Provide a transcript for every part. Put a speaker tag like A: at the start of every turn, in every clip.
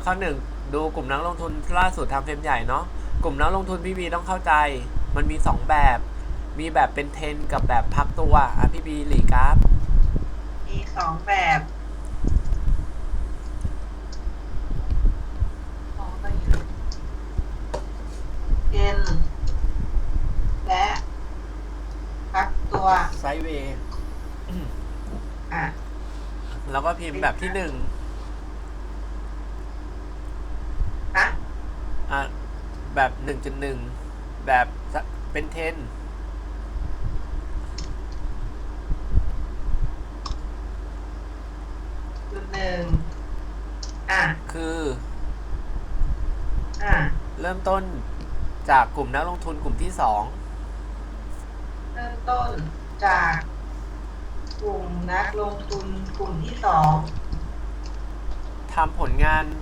A: ข้อหนึ่งดูกลุ่มนักลงทุนล่าสุดทำเฟรมใหญ่เนาะกลุ่มนักลงทุนพี่บีต้องเข้าใจมันมี2แบบมีแบบเป็นเทรนกับแบบพักตัวพี่บีหลีกราฟ
B: มี2แบบเทรนและพักตัว
A: ไซด์เวย์
B: อ่ะ
A: แล้วก็พิมพ์แบบที่1แบบ 1.1 แบบเป็นเทรนคือเริ่มต้นจากกลุ่มนักลงทุนกลุ่มที่2
B: เริ่มต้นจากกลุ่มนักลงทุนกลุ่มที่2
A: ทำผลงาน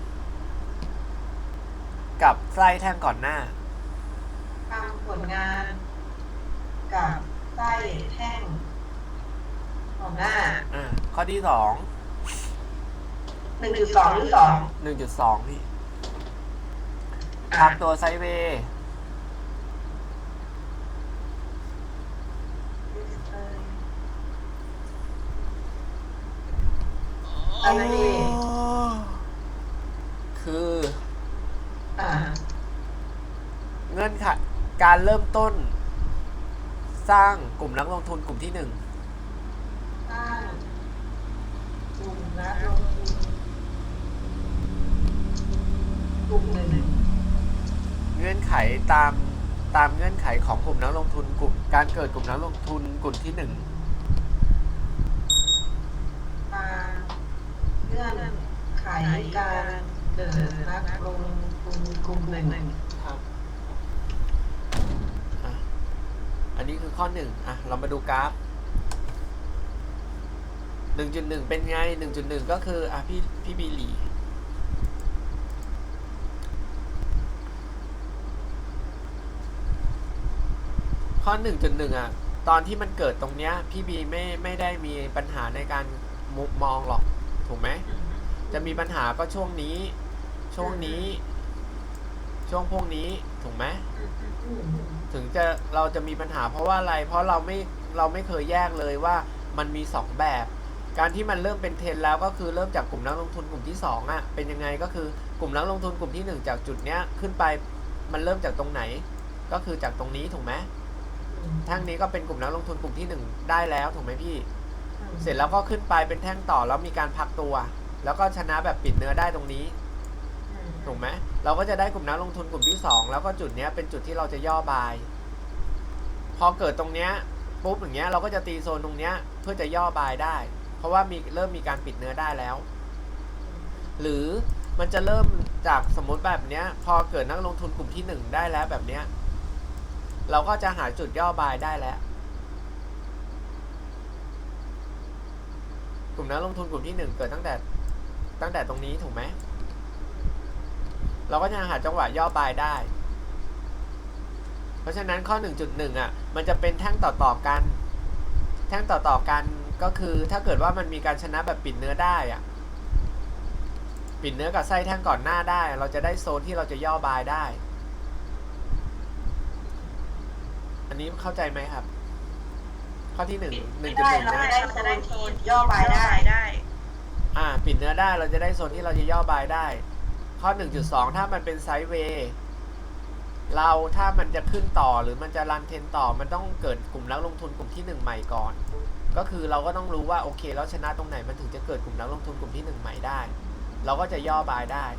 A: กับไส้แท่งก่อนหน้า
B: ทำผลงานกับไส้แท่งก่อนหน้า
A: ข้อที่2
B: 1.2 หรือ
A: 1.2 พี่พักตัวไซด์เวย์คือเงื่อนไขการเริ่มต้นสร้างกลุ่มนักลงทุนกลุ่มที่1
B: สร้างกลุ่มนักลงทุนกลุ่ม
A: เงื่อนไขตามเงื่อนไขของกลุ่มนักลงทุนกลุ่มการเกิดกลุ่มนักลงทุนกลุ่มที่1
B: เงื่อนไขการเกิดนักลงทุนกลุ่ม
A: ครับอันนี้คือข้อ1เรามาดูกราฟ 1.1 เป็นไง 1.1 ก็คือพี่บีหลีข้อ 1.1 ตอนที่มันเกิดตรงเนี้ยพี่บีไม่ได้มีปัญหาในการมองหรอกถูกไหมจะมีปัญหาก็ช่วงนี้ช่วงพวกนี้ถูกไหมถึงเราจะมีปัญหาเพราะว่าอะไรเพราะเราไม่เคยแยกเลยว่ามันมี2แบบการที่มันเริ่มเป็นเทรนแล้วก็คือเริ่มจากกลุ่มนักลงทุนกลุ่มที่2เป็นยังไงก็คือกลุ่มนักลงทุนกลุ่มที่1จากจุดเนี้ยขึ้นไปมันเริ่มจากตรงไหนก็คือจากตรงนี้ถูกไหมแท่งนี้ก็เป็นกลุ่มนักลงทุนกลุ่มที่1ได้แล้วถูกไหมพี่เสร็จแล้วก็ขึ้นไปเป็นแท่งต่อแล้วมีการพักตัวแล้วก็ชนะแบบปิดเนื้อได้ตรงนี้ถูกไหมเราก็จะได้กลุ่มนักลงทุนกลุ่มที่2แล้วก็จุดนี้เป็นจุดที่เราจะย่อบายพอเกิดตรงเนี้ยปุ๊บอย่างเงี้ยเราก็จะตีโซนตรงเนี้ยเพื่อจะย่อบายได้เพราะว่าเริ่มมีการปิดเนื้อได้แล้วหรือมันจะเริ่มจากสมมติแบบเนี้ยพอเกิดนักลงทุนกลุ่มที่1ได้แล้วแบบเนี้ยเราก็จะหาจุดย่อบายได้แล้วกลุ่มนักลงทุนกลุ่มที่1เกิดตั้งแต่ตรงนี้ถูกไหมเราก็จะหาจังหวะย่อบายได้เพราะฉะนั้นข้อ 1.1 มันจะเป็นแท่งต่อกันแท่งต่อกันก็คือถ้าเกิดว่ามันมีการชนะแบบปิดเนื้อได้ปิดเนื้อกับไส้แท่งก่อนหน้าได้เราจะได้โซนที่เราจะย่อบายได้อันนี้เข้าใจไหมครับข้อที่1 1.1
B: นะจะได้โซนย่อบายได้
A: ปิดเนื้อได้เราจะได้โซนที่เราจะย่อบายได้ข้อ 1.2 ถ้ามันเป็นไซด์เวย์ถ้ามันจะขึ้นต่อหรือมันจะรันเทรนต่อมันต้องเกิดกลุ่มนักลงทุนกลุ่มที่1ใหม่ก่อนก็คือเราก็ต้องรู้ว่าโอเคแล้วชนะตรงไหนมันถึงจะเกิดกลุ่มนักลงทุนกลุ่มที่1ใหม่ได้เราก็จะย่อบายได้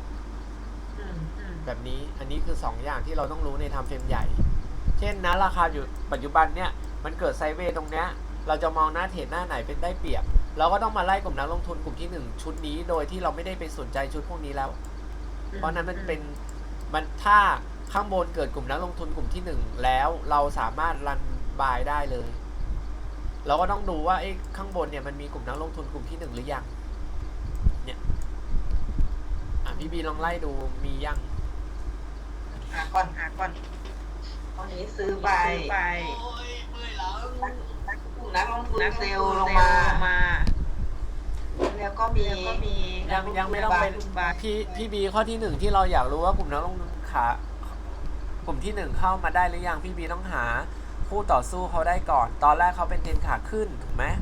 A: แบบนี้อันนี้คือ2อย่างที่เราต้องรู้ในทำเฟรมใหญ่เช่นนะราคาอยู่ปัจจุบันเนี่ยมันเกิดไซด์เวย์ตรงเนี้ยเราจะมองหน้าเทรดหน้าไหนเป็นได้เปรียบเราก็ต้องมาไล่กลุ่มนักลงทุนกลุ่มที่1ชุดนี้โดยที่เราไม่ได้ไปสนใจชุดพวกนี้แล้วเพราะนั้นมันถ้าข้างบนเกิดกลุ่มนักลงทุนกลุ่มที่1แล้วเราสามารถรันบายได้เลยเราก็ต้องดูว่าข้างบนเนี่ยมันมีกลุ่มนักลงทุนกลุ่มที่1หรือยังเนี่ยพี่บีลองไล่ดูมียัง
B: หาก่อนตอนนี้ซื้อไปกลุ่มนักลงทุนเซลล์ลงมาแล้วก็มี
A: ยังไม่ต้องเป็นพี่บีข้อที่หนึ่งที่เราอยากรู้ว่ากลุ่มนักลงทุนขากลุ่มที่หนึ่งเข้ามาได้หรือยังพี่บีต้องหาคู่ต่อสู้เขาได้ก่อน ตอนแรกเขาเป็นเทรนขาขึ้นถูกไหม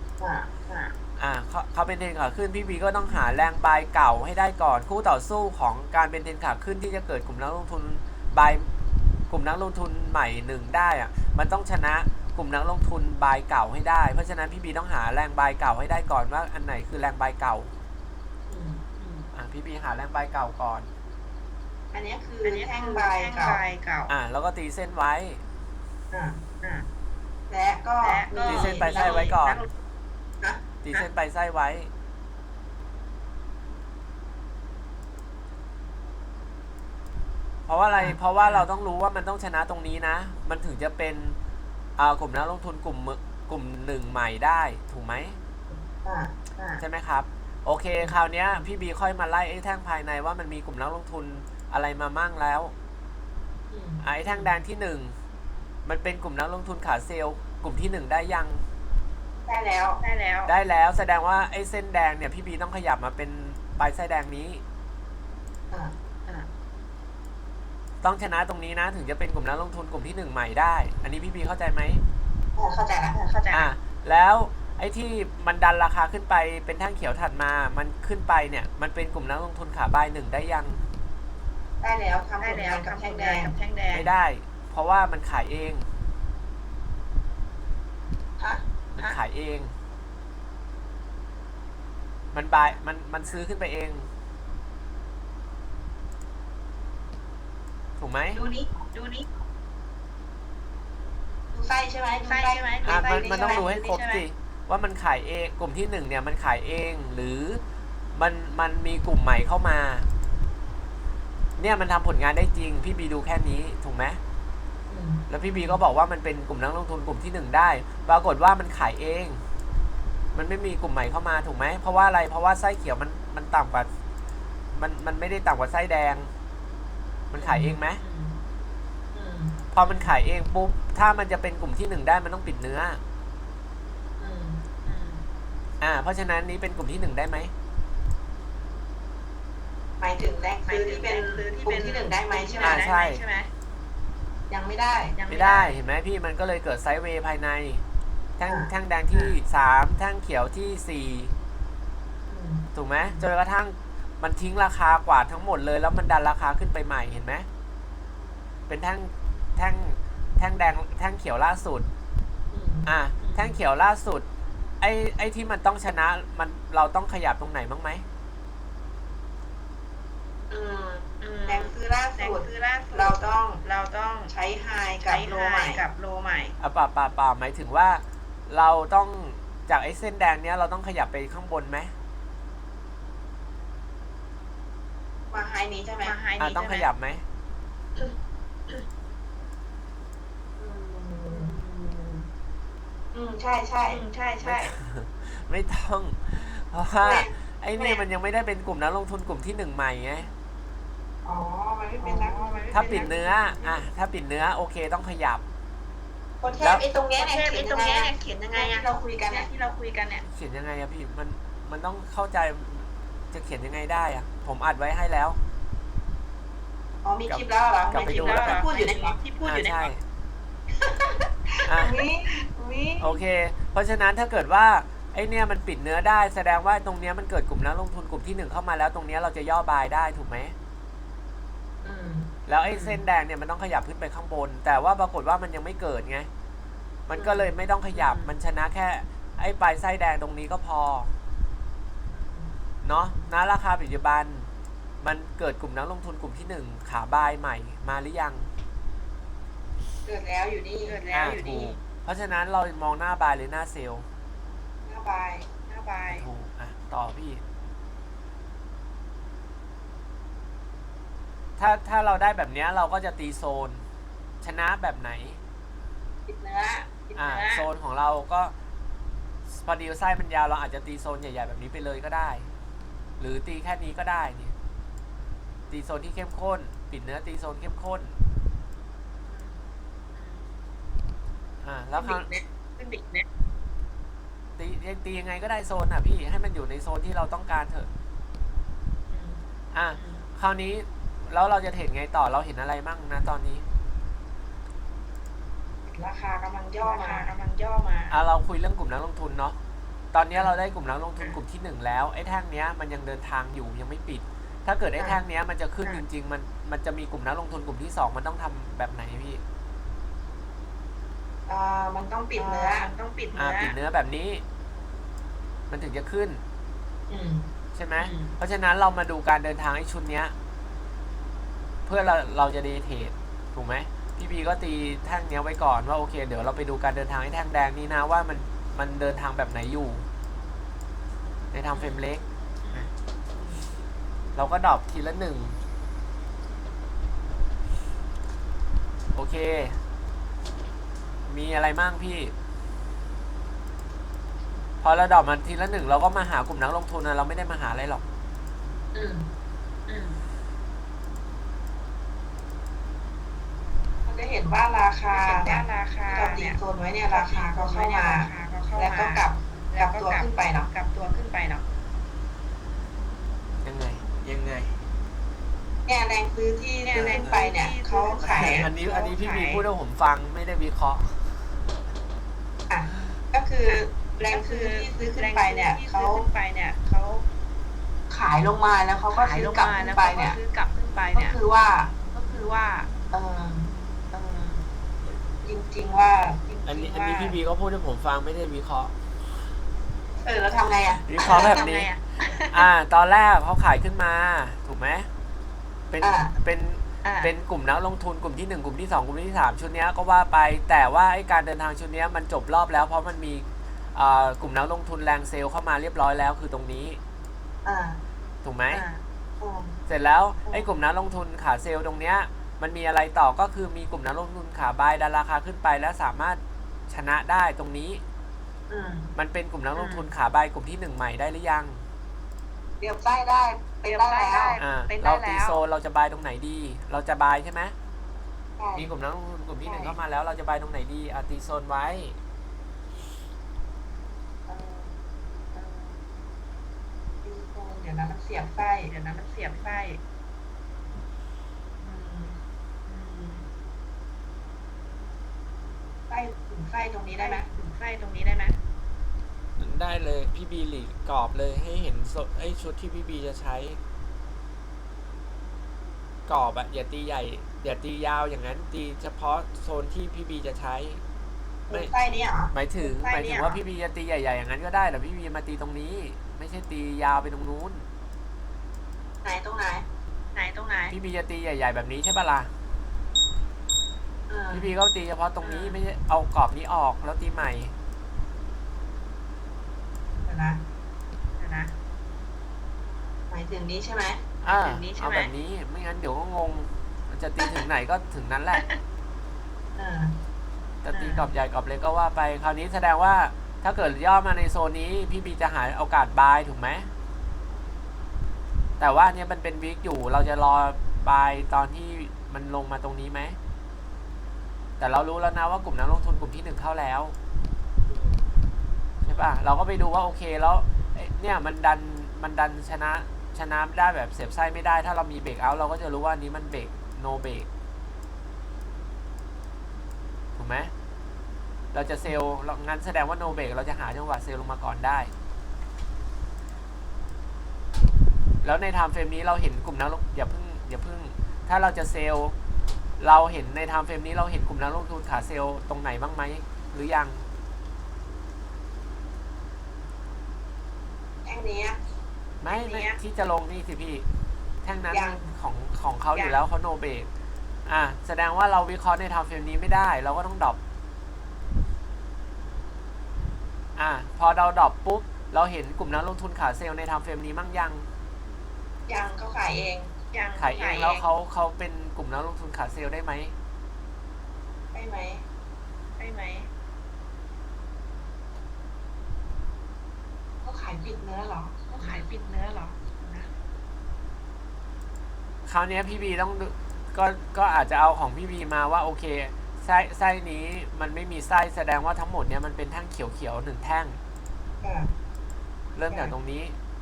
A: เขาเป็นเทรนขาขึ้นพี่บีก็ต้องหาแรงบายเก่าให้ได้ก่อน คู่ต่อสู้ของการเป็นเทรนขาขึ้นที่จะเกิดกลุ่มนักลงทุนบายกลุ่มนักลงทุนใหม่หนึ่งได้อะมันต้องชนะกลุ่มนักลงทุนบายเก่าให้ได้เพราะฉะนั้นพี่บีต้องหาแรงบายเก่าให้ได้ก่อนว่าอันไหนคือแรงบายเก่าพี่บีหาแรงบายเก่าก่อน
B: อันนี้คือแท่งบายเก่า
A: แล้วก็ตีเส้นไว้
B: และก็
A: ตีเส้นไปไส้ไว้ก่อนตีเส้นไปไส้ไว้เพราะว่าอะไรเพราะว่าเราต้องรู้ว่ามันต้องชนะตรงนี้นะมันถึงจะเป็นกลุ่มนักลงทุนกลุ่มหนึ่งใหม่ได้ถูกไหมใช่ไหมครับโอเคคราวนี้พี่บีค่อยมาไล่ไอ้แท่งภายในว่ามันมีกลุ่มนักลงทุนอะไรมามั่งแล้วไอ้แท่งแดงที่1มันเป็นกลุ่มนักลงทุนขาเซลล์กลุ่มที่1ได้ยัง
B: ได้
A: แล้วแสดงว่าไอ้เส้นแดงเนี่ยพี่บีต้องขยับมาเป็นปลายไส้แดงนี้ต้องชนะตรงนี้นะถึงจะเป็นกลุ่มนักลงทุนกลุ่มที่1ใหม่ได้อันนี้พี่บีเข้าใจไหม
B: เข้าใจ
A: แล้วไอ้ที่มันดันราคาขึ้นไปเป็นแท่งเขียวถัดมามันขึ้นไปเนี่ยมันเป็นกลุ่มนักลงทุนขาบาย1ได้ยัง
B: ได้แล้วทำผลงานกับแท่งแดง
A: ไม่ได้เพราะว่ามันขายเองมันขายเองมันบายมันซื้อขึ้นไปเองถูกไหม
B: ดูนี้ดูไส้ใช่ไหม
A: มันต้องดูให้ครบสิว่ามันขายเองกลุ่มที่1เนี่ยมันขายเองหรือมันมีกลุ่มใหม่เข้ามาเนี่ยมันทำผลงานได้จริงพี่บีดูแค่นี้ถูกไหมแล้วพี่บีก็บอกว่ามันเป็นกลุ่มนักลงทุนกลุ่มที่1ได้ปรากฏว่ามันขายเองมันไม่มีกลุ่มใหม่เข้ามาถูกไหมเพราะว่าอะไรเพราะว่าไส้เขียวมันต่ำกว่ามันไม่ได้ต่ำกว่าไส้แดงมันขายเองไหมพอมันขายเองปุ๊บถ้ามันจะเป็นกลุ่มที่1ได้มันต้องปิดเนื้อเพราะฉะนั้นนี้เป็นกลุ่มที่1ได้ไหม
B: หมายถึงแรกซื้อที่เป็นกลุ่มที่1ได้ไหมใช่ไหม
A: ใช่
B: ยังไม่ได้
A: เห็นไหมพี่มันก็เลยเกิดไซด์เวย์ภายในแท่งแดงที่3แท่งเขียวที่4ถูกไหมจนกระทั่งมันทิ้งราคากว่าทั้งหมดเลยแล้วมันดันราคาขึ้นไปใหม่เห็นไหมเป็นแท่งแดงแท่งเขียวล่าสุดแท่งเขียวล่าสุดไอ้ที่มันต้องชนะมันเราต้องขยับตรงไหนบ้างไหม
B: แดงซื้อล่าสุดเราต้องใช้ไฮกับโลใหม่
A: ป่าหมายถึงว่าเราต้องจากไอ้เส้นแดงเนี้ยเราต้องขยับไปข้างบนไหม
B: มาไฮนี้ใช่ไหม
A: ต้องขยับไหม
B: ใช่
A: ไม่ต้องเพราะว่าไอ้นี่มันยังไม่ได้เป็นกลุ่มนักลงทุนกลุ่มที่1ใหม่ไง
B: มันไม่เป็นนัก
A: ถ้าปิดเนื้อถ้าปิดเนื้อโอเคต้องขยับ
B: แล้วไอ้ตรงเนี้ยเขียนยังไงที่เราคุยกันเนี่ย
A: เขียนยังไงพี่มันต้องเข้าใจจะเขียนยังไงได้ผมอัดไว้ให้แล้ว
B: มีคลิปแล้วเหรอก
A: ลับไปดูแล้ว
B: พูดอยู่ในที่พูดอยู่ใน
A: ใช่โอเคเพราะฉะนั้นถ้าเกิดว่าไอ้เนี่ยมันปิดเนื้อได้แสดงว่าตรงเนี้ยมันเกิดกลุ่มนักลงทุนกลุ่มที่1เข้ามาแล้วตรงเนี้ยเราจะย่อบายได้ถูกไหมแล้วไอ้เส้นแดงเนี่ยมันต้องขยับขึ้นไปข้างบนแต่ว่าปรากฏว่ามันยังไม่เกิดไงมันก็เลยไม่ต้องขยับมันชนะแค่ไอ้ปลายไส้แดงตรงนี้ก็พอเนาะณราคาปัจจุบันมันเกิดกลุ่มนักลงทุนกลุ่มที่1ขาบายใหม่มาหรือยัง
B: เกิดแล้วอยู่นี่
A: ถูกเพราะฉะนั้นเรามองหน้าบายหรือหน้าเซลล์
B: หน้าบาย
A: ถูกต่อพี่ถ้าเราได้แบบนี้เราก็จะตีโซนชนะแบบไหน
B: ปิดเนื้อ
A: โซนของเราก็พอดีไส้มันยาวเราอาจจะตีโซนใหญ่ๆแบบนี้ไปเลยก็ได้หรือตีแค่นี้ก็ได้นี่ตีโซนที่เข้มข้นปิดเนื้อตีโซนเข้มข้นแล้ว
B: ขึ้นดิกเนี่ย
A: ตียังไงก็ได้โซนอ่ะพี่ให้มันอยู่ในโซนที่เราต้องการเถอะ
B: อืม
A: อ่ะ
B: อืม
A: คราวนี้แล้วเราจะเห็นไงต่อเราเห็นอะไรมั่งนะตอนนี้
B: ราคากำลังย่อมา
A: เราคุยเรื่องกลุ่มนักลงทุนเนาะตอนนี้เราได้กลุ่มนักลงทุนกลุ่มที่1แล้วไอ้แท่งเนี้ยมันยังเดินทางอยู่ยังไม่ปิด ถ้าเกิดไอ้แท่งเนี้ยมันจะขึ้นจริงๆมันจะมีกลุ่มนักลงทุนกลุ่มที่2มันต้องทำแบบไหนพี่
B: มันต้องปิดเนื้อ
A: ปิดเนื้อแบบนี้ มันถึงจะขึ้น
B: อืม
A: ใช่ไหม
B: อืม
A: เพราะฉะนั้นเรามาดูการเดินทางไอ้ชุดเนี้ยเพื่อเราจะเดย์เทรดถูกไหมพี่บีก็ตีแท่งเนี้ยไว้ก่อนว่าโอเคเดี๋ยวเราไปดูการเดินทางไอ้แท่งแดงนี้นะว่ามันเดินทางแบบไหนอยู่ ในทางเฟรมเล็กเราก็ดรอปทีละ1โอเคมีอะไรมั่งพี่พอเราดรอปมาทีละ1เราก็มาหากลุ่มนักลงทุนนะเราไม่ได้มาหาอะไรหรอก
B: อืมมันจะเห็นว่าราคาที่เราตีโซนไว้เนี่ยราคาก็เข้ามาแล้วก็กลับตัวขึ้นไปเนาะ
A: ยังไง
B: เนี่ยแรงซื้อที่ซื้อขึ้นไปเนี่ยเขาขาย
A: อันนี้พี่บีพูดให้ผมฟังไม่ได้วิเคราะห์
B: อ่ะก็คือแรงซื้อที่ซื้อขึ้นไปเนี่ยเขาขายลงมาแล้วเขาก็ซื้อกลับขึ้นไปเนี่ยก็คือว่าจริงๆว่า
A: อันนี้พี่บีก็พูดให้ผมฟังไม่ได้วิเคราะห์
B: แล้วทำไงอ่ะ
A: วิเคราะห์แบบนี้ ตอนแรกเขาขายขึ้นมาถูกไหมเป็นกลุ่มนักลงทุนกลุ่มที่1กลุ่มที่2กลุ่มที่3ชุดนี้ก็ว่าไปแต่ว่าไอ้การเดินทางชุดนี้มันจบรอบแล้วเพราะมันมีกลุ่มนักลงทุนแรงเซลล์เข้ามาเรียบร้อยแล้วคือตรงนี้ถูกไหมเสร็จแล้วไอ้กลุ่มนักลงทุนขาเซลล์ตรงเนี้ยมันมีอะไรต่อก็คือมีกลุ่มนักลงทุนขาบายดันราคาขึ้นไปและสามารถชนะได้ตรงนี้มันเป็นกลุ่มนักลงทุนขาบายกลุ่มที่1ใหม่ได้หรือยัง
B: เรียบไส้ได้เป็นได้แล้ว
A: เราตีโซนเราจะบายตรงไหนดีเราจะบายใช่ไหมมีกลุ่มนักลงทุนกลุ่มที่1เข้ามาแล้วเราจะบายตรงไหนดีตีโซนไว้
B: เดี๋ยวนั้นมันเสียบไส้ถึงไส้ตรงนี้ได้ไหม
A: ได้เลยพี่บีหลีกรอบเลยให้เห็นไอ้ชุดที่พี่บีจะใช้กรอบอะอย่าตีใหญ่อย่าตียาวอย่างนั้นตีเฉพาะโซนที่พี่บีจะใช้
B: ไม่ไส้นี้เหรอ
A: หมายถึงว่าพี่บีจะตีใหญ่ๆอย่างนั้นก็ได้แต่พี่บีมาตีตรงนี้ไม่ใช่ตียาวไปตรงนู้น
B: ตรงไหน
A: พี่บีจะตีใหญ่ๆแบบนี้ใช่ปะล่ะพี่บีก็ตีเฉพาะตรงนี้ไม่ใช่เอากรอบนี้ออกแล้วตีใหม่
B: เดี๋ยวนะหมายถึงนี้ใช่ไหม
A: เอาแบบนี้ไม่งั้นเดี๋ยวก็งงมันจะตีถึงไหนก็ถึงนั้นแหละจะตีกรอบใหญ่กรอบเล็กก็ว่าไปคราวนี้แสดงว่าถ้าเกิดย่อมาในโซนนี้พี่บีจะหาโอกาสบายถูกไหมแต่ว่าเนี่ยมันเป็นวิกอยู่เราจะรอบายตอนที่มันลงมาตรงนี้ไหมแต่เรารู้แล้วนะว่ากลุ่มนักลงทุนกลุ่มที่1เข้าแล้วใช่ป่ะเราก็ไปดูว่าโอเคแล้วเนี่ยมันดันชนะไม่ได้แบบเสียบไส้ไม่ได้ถ้าเรามีเบรกเอาท์เราก็จะรู้ว่านี้มันเบรกโนเบรกถูกไหมเราจะเซลล์งั้นแสดงว่าโนเบรกเราจะหาจังหวะเซลล์ลงมาก่อนได้แล้วในไทม์เฟรมนี้เราเห็นกลุ่มนักลงอย่าเพิ่งถ้าเราจะเซลล์เราเห็นในไทม์เฟรมนี้เราเห็นกลุ่มนักลงทุนขาเซลล์ตรงไหนบ้างไหมหรือยัง
B: แท่งนี้
A: ไม่ที่จะลงนี่สิพี่แท่งนั้นของเขาอยู่แล้วเขาโนเบรกแสดงว่าเราวิเคราะห์ในไทม์เฟรมนี้ไม่ได้เราก็ต้องดรอปพอเราดรอปปุ๊บเราเห็นกลุ่มนักลงทุนขาเซลล์ในไทม์เฟรมนี้มั่งยัง
B: เขาขายเอง
A: แล้วเขาเป็นกลุ่มนักลงทุนขาเซลล์ได้ไหม
B: เขาขายปิดเนื้อเหรอ
A: คราวนี้พี่บีต้องก็อาจจะเอาของพี่บีมาว่าโอเคไส้นี้มันไม่มีไส้แสดงว่าทั้งหมดเนี้ยมันเป็นแท่งเขียวๆ1แท่ง
B: ค่ะ
A: เริ่มจากตรงนี้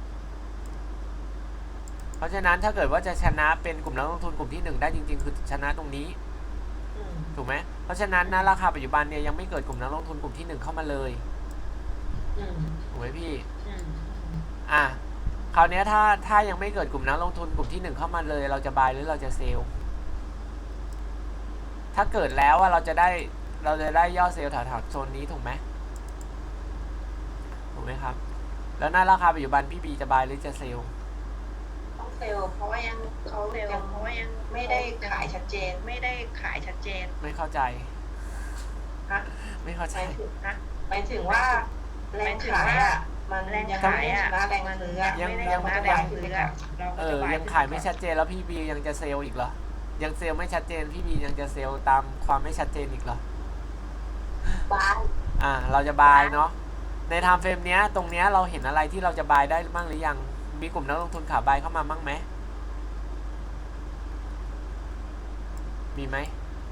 A: เพราะฉะนั้นถ้าเกิดว่าจะชนะเป็นกลุ่มนักลงทุนกลุ่มที่1ได้จริงๆคือชนะตรงนี้ ถูกไหมเพราะฉะนั้นนะราคาปัจจุบันเนี่ยยังไม่เกิดกลุ่มนักลงทุนกลุ่มที่1เข้ามาเลยถูกไหมพี่คราวนี้ถ้ายังไม่เกิดกลุ่มนักลงทุนกลุ่มที่1เข้ามาเลย เราจะบายหรือเราจะเซลล์ถ้าเกิดแล้วว่าเราจะได้ยอดเซลล์แถวๆโซนนี้ถูกไหมครับแล้วหน้าราคาปัจจุบันพี่บีจะบายหรือจะเซลล์
B: ต้องเซลล์เพราะว่ายังไม่ได้ขายชัดเจน
A: ไม่เข้าใจ
B: ฮะ
A: ไม่เข้าใจ
B: หมายถึงว่าแรงขายอ่ะมันยังไม่ได้ชนะแรงซื้ออะ
A: ยัง ยังขายไม่ชัดเจนแล้วพี่บียังจะเซลล์อีกเหรอยังเซลล์ไม่ชัดเจนพี่บียังจะเซลล์ตามความไม่ชัดเจนอีกเหรอบ
B: าย
A: เราจะบายเนาะในไทม์เฟรมเนี้ยตรงเนี้ยเราเห็นอะไรที่เราจะบายได้บ้างหรือยังมีกลุ่มนักลงทุนขาบายเข้ามาบ้างไหมมีไหม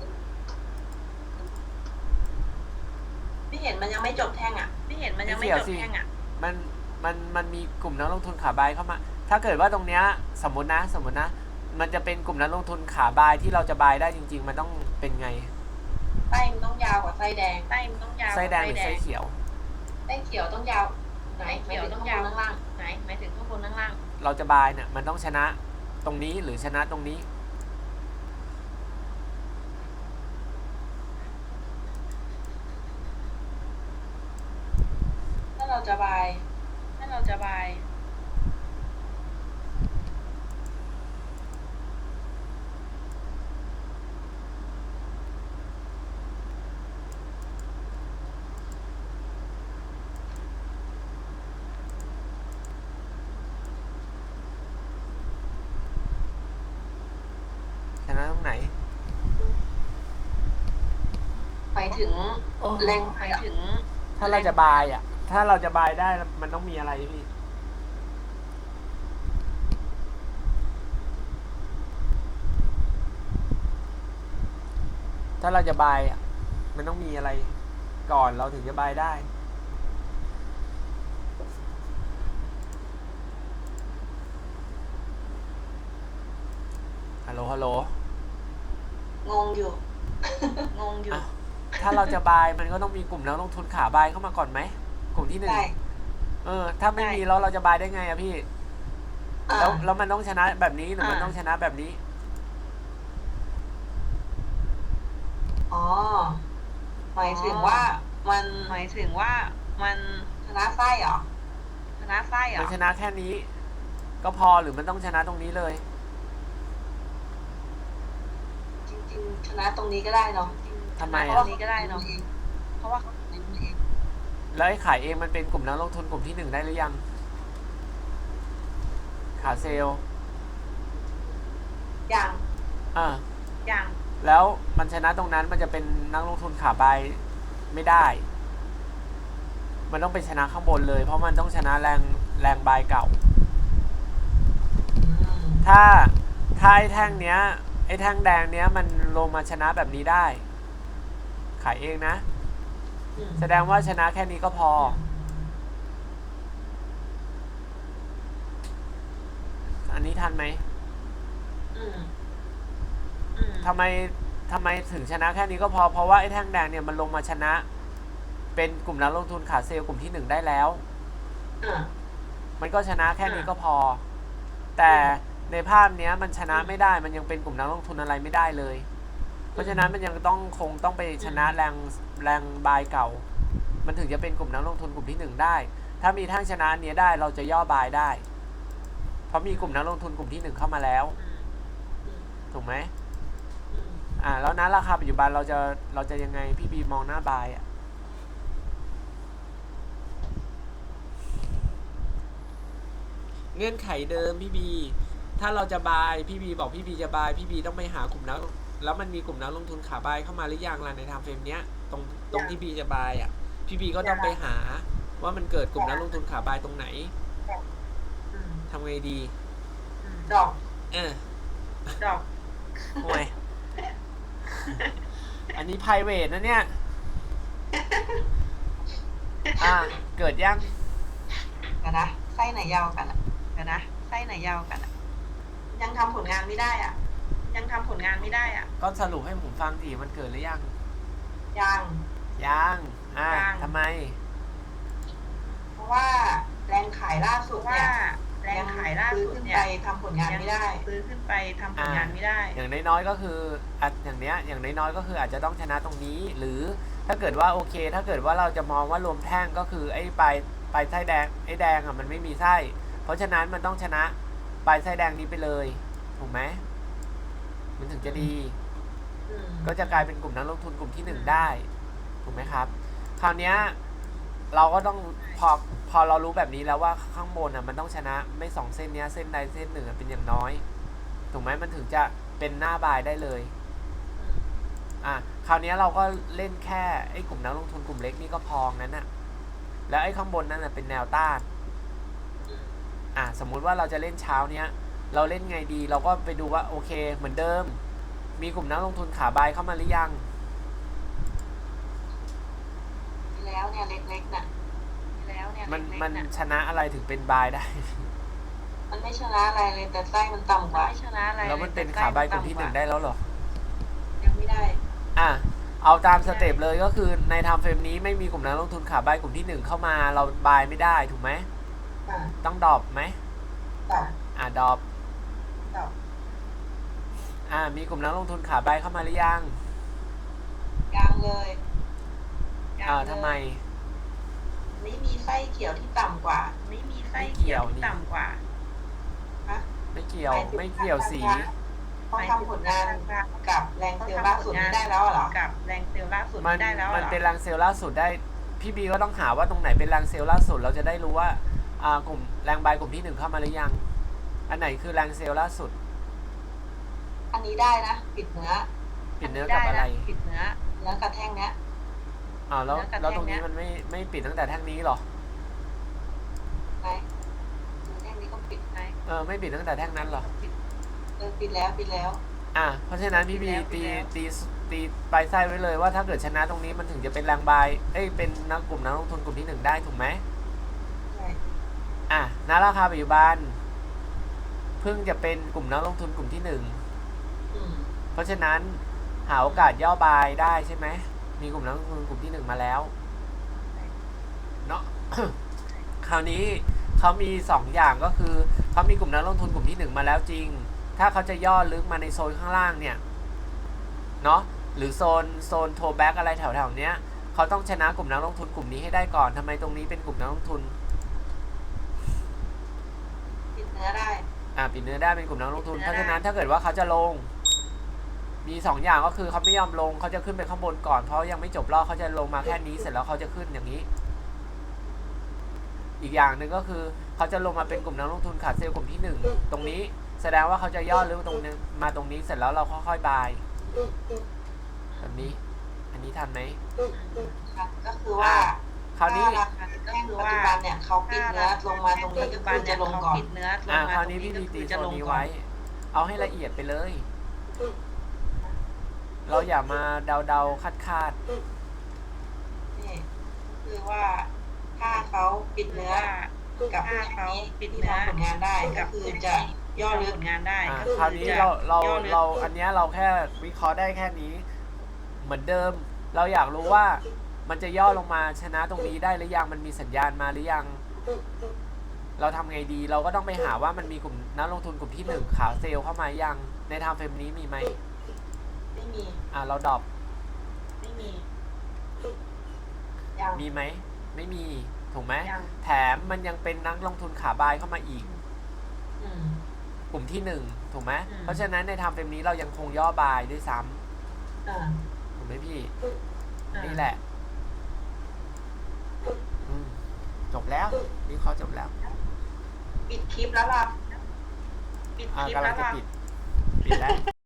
B: พี่เห็นมันยังไม่จบแท่งอ่ะ
A: มันมีกลุ่มนักลงทุนขาบายเข้ามาถ้าเกิดว่าตรงเนี้ยสมมตินะมันจะเป็นกลุ่มนักลงทุนขาบายที่เราจะบายได้จริงๆมันต้องเป็นไง
B: ไส้มันต้องยาวกว่าไส้แดง
A: ไส้แดงหรือไส้เขียว
B: ไส้เขียวต้องยาวไหนเขียวต้องยาวข้างล่างไหนหมายถึงข้างบนข้างล่าง
A: เราจะบายเนี่ยมันต้องชนะตรงนี้หรือชนะตรงนี้
B: ถ้าเราจะบาย
A: ชนะตรงไหน
B: หมายถึงแรงหมายถึง
A: ถ้าเราจะบายถ้าเราจะบายได้มันต้องมีอะไรพี่ถ้าเราจะบายมันต้องมีอะไรก่อนเราถึงจะบายได้ฮัลโหล
B: งงอยู่
A: ถ้าเราจะบายมันก็ต้องมีกลุ่มนักลงทุนขาบายเข้ามาก่อนไหมกลุ่มที่1ถ้าไม่มีแล้วเราจะบายได้ไงอะพี่แล้วมันต้องชนะแบบนี้หรือมันต้องชนะแบบนี้
B: หมายถึงว่ามันชนะไส้เหรอ
A: มันชนะแค่นี้ก็พอหรือมันต้องชนะตรงนี้เลย
B: จริงๆชนะตรงนี้ก็ได้เนาะ
A: ทำไม
B: เพราะว่าเขาเอง
A: แล้วไอ้ขายเองมันเป็นกลุ่มนักลงทุนกลุ่มที่1ได้หรือยังขาเซลล์
B: อย่าง
A: แล้วมันชนะตรงนั้นมันจะเป็นนักลงทุนขาบายไม่ได้มันต้องเป็นชนะข้างบนเลยเพราะมันต้องชนะแรงบายเก่าถ้าไอ้แท่งเนี้ยไอ้แท่งแดงเนี้ยมันลงมาชนะแบบนี้ได้ขายเองนะแสดงว่าชนะแค่นี้ก็พออันนี้ทันไหมทำไมถึงชนะแค่นี้ก็พอเพราะว่าไอ้แท่งแดงเนี่ยมันลงมาชนะเป็นกลุ่มนักลงทุนขาเซลล์กลุ่มที่1ได้แล้วมันก็ชนะแค่นี้ก็พอแต่ในภาพเนี้ยมันชนะไม่ได้มันยังเป็นกลุ่มนักลงทุนอะไรไม่ได้เลยเพราะฉะนั้นมันยังคงต้องไปชนะแรงบายเก่ามันถึงจะเป็นกลุ่มนักลงทุนกลุ่มที่1ได้ถ้ามีแท่งชนะเนี้ยได้เราจะย่อบายได้เพราะมีกลุ่มนักลงทุนกลุ่มที่1เข้ามาแล้วถูกไหมแล้วนะราคาปัจจุบันเราจะยังไงพี่บีมองหน้าบายเงื่อนไขเดิมพี่บีถ้าเราจะบายพี่บีบอกพี่บีจะบายพี่บีต้องไปหากลุ่มนักแล้วมันมีกลุ่มนักลงทุนขาบายเข้ามาหรือยังล่ะในไทม์เฟรมเนี้ยตรงที่บีจะบายพี่บีก็ต้องไปหาว่ามันเกิดกลุ่มนักลงทุนขาบายตรงไหนทำไงดี
B: ดอก
A: โอ้ยอันนี้ private นะเนี่ยเกิดยัง
B: เดี๋ยวนะไส้ไหนยาวกันอ่ะเดี๋ยวนะไส้ไหนยาวกันอ่ะยังทำผลงานไม่ได้อ่ะยังทำผลงานไม่ได้อ่ะ
A: ก็สรุปให้ผมฟังทีมันเกิดหรือยัง
B: ยัง
A: ยัง
B: ยัง
A: ทำไม
B: เพราะว่าแรงขายล่าสุดเนี่ยแรงขายล่าสุดเนี่ยทำผลงานไม่ได้ซื้อขึ้นไปทำผลงานไม่ได้
A: อย่างน้อยๆก็คืออย่างเนี้ยอย่างน้อยๆก็คืออาจจะต้องชนะตรงนี้ หรือถ้าเกิดว่าโอเค ถ้าเกิดว่าเราจะมองว่ารวมแท่งก็คือไอ้ปลายไส้แดงไอ้แดงอ่ะมันไม่มีไส้เพราะฉะนั้นมันต้องชนะปลายไส้แดงนี้ไปเลยถูกไหมมันถึงจะดีก็จะกลายเป็นกลุ่มนักลงทุนกลุ่มที่1ได้ถูกไหมครับคราวนี้เราก็ต้องพอเรารู้แบบนี้แล้วว่าข้างบนอ่ะมันต้องชนะไม่2เส้นนี้เส้นใดเส้นหนึ่งเป็นอย่างน้อยถูกไหมมันถึงจะเป็นหน้าบายได้เลยคราวนี้เราก็เล่นแค่ไอ้กลุ่มนักลงทุนกลุ่มเล็กนี่ก็พอนั้นน่ะแล้วไอ้ข้างบนนั่นน่ะเป็นแนวต้านสมมุติว่าเราจะเล่นเช้าเนี้ยเราเล่นไงดีเราก็ไปดูว่าโอเคเหมือนเดิมมีกลุ่มนักลงทุนขาบายเข้ามาหรือยัง
B: แล้วเนี่ยเล็กๆน่ะแล้วเนี่ย
A: มันชนะอะไรถึงเป็นบายได้
B: มันไม่ชนะอะไรเลยแต่ไส้มันต่ำกว่าไม่ชนะอะไร
A: แล้วมันเป็นขาบายกลุ่มที่1ได้แล้วหรอ
B: ยังไม่ได้
A: เอาตามสเต็ปเลยก็คือในไทม์เฟรมนี้ไม่มีกลุ่มนักลงทุนขาบายกลุ่มที่1เข้ามาเราบายไม่ได้ถูกไหมต้องดรอปไหมดรอปมีกลุ่มนักลงทุนขาบายเข้ามาหรือยัง
B: เลย
A: ทำไม
B: ไม่มีไส้เขียวที่ต่ำกว่าไม่มีไส้เขียวที่ต่ำกว่า
A: ไม่เกี่ยวสี
B: เขาทำผลงานกับแรงเซลล์ล่าสุดนี้ได้แล้วเหรอกับแรงเซลล์ล่าสุดนี้ได้แล้วเหรอ
A: มันเป็นแรงเซลล์ล่าสุดได้พี่บีก็ต้องหาว่าตรงไหนเป็นแรงเซลล์ล่าสุดเราจะได้รู้ว่ากลุ่มแรงบายกลุ่มที่1เข้ามาหรือยังอันไหนคือแรงเซลล์ล่าสุด
B: อันนี้ได้นะปิดเนื้อ
A: กับอะไร
B: ปิดเนื้อกระแท่งเนี้ย
A: แล้วตรงนี้มันไม่ปิดตั้งแต่แท่งนี้หรอ
B: ไหนแท่งนี้ก็ปิดไหม
A: ไม่ปิดตั้งแต่แท่งนั้นหรอ
B: ปิดแล้ว
A: เพราะฉะนั้นพี่บีตีปลายไส้ไว้เลยว่าถ้าเกิดชนะตรงนี้มันถึงจะเป็นแรงบายเป็นนักกลุ่มนักลงทุนกลุ่มที่1ได้ถูกไหม
B: ใช่
A: ณราคาปัจจุบันเพิ่งจะเป็นกลุ่มนักลงทุนกลุ่มที่1เพราะฉะนั้นหาโอกาสย่อบายได้ใช่ไหมมีกลุ่มนักลงทุนกลุ่มที่1มาแล้วเนาะ คราวนี้เขามี2อย่างก็คือเขามีกลุ่มนักลงทุนกลุ่มที่1มาแล้วจริงถ้าเขาจะย่อลึกมาในโซนข้างล่างเนี่ยเนาะหรือโซนโทแบ็กอะไรแถวๆเนี้ยเขาต้องชนะกลุ่มนักลงทุนกลุ่มนี้ให้ได้ก่อนทำไมตรงนี้เป็นกลุ่มนักลงทุน
B: ปิดเนื้อได้
A: ปิดเนื้อได้เป็นกลุ่มนักลงทุนเพราะฉะนั้นถ้าเกิดว่าเขาจะลงมี2อย่างก็คือเขาไม่ยอมลงเขาจะขึ้นไปข้างบนก่อนเพราะยังไม่จบรอบเขาจะลงมาแค่นี้เสร็จแล้วเขาจะขึ้นอย่างนี้อีกอย่างหนึ่งก็คือเขาจะลงมาเป็นกลุ่มนักลงทุนขาดเซลล์กลุ่มที่1ตรงนี้แสดงว่าเขาจะย่อลึกตรงนี้มาตรงนี้เสร็จแล้วเราค่อยๆบายแบบนี้อันนี้ทันไหม
B: ก็คือว่า
A: คราวนี้
B: ก็คือว่าปัจจุบันเนี่ยเขาปิดเนื้อลงมาตรงนี้ก็คือจะลงก่อน
A: คราวนี้พี่มีตีโซนนี้ไว้เอาให้ละเอียดไปเลยเราอย่ามาเดาคาด
B: นี่คือว่าถ้าเขาปิดเนื้อกับถ้าเขาปิดเนื้อผลงานได้ก็คือจะย่อลึกงานได้
A: คราวนี้เราอันนี้เราแค่วิเคราะห์ได้แค่นี้เหมือนเดิมเราอยากรู้ว่ามันจะย่อลงมาชนะตรงนี้ได้หรือยังมันมีสัญญาณมาหรือยังเราทำไงดีเราก็ต้องไปหาว่ามันมีกลุ่มนักลงทุนกลุ่มที่1ขาเซลล์เข้ามายังในไทม์เฟรมนี้มีไหม
B: ไม่มี
A: เราดรอป
B: ไม่มี
A: มีไหมไม่มีถูกไหมแถมมันยังเป็นนักลงทุนขาบายเข้ามาอีกกลุ่มที่1ถูกไหมเพราะฉะนั้นในไทม์เฟรมนี้เรายังคงย่อบายด้วยซ้ำถูกไหมพี่นี่แหละจบแล้วนี่เขาจบแล้ว
B: ปิดคลิปแล้วล่ะ
A: กำลังจะปิดแล้ว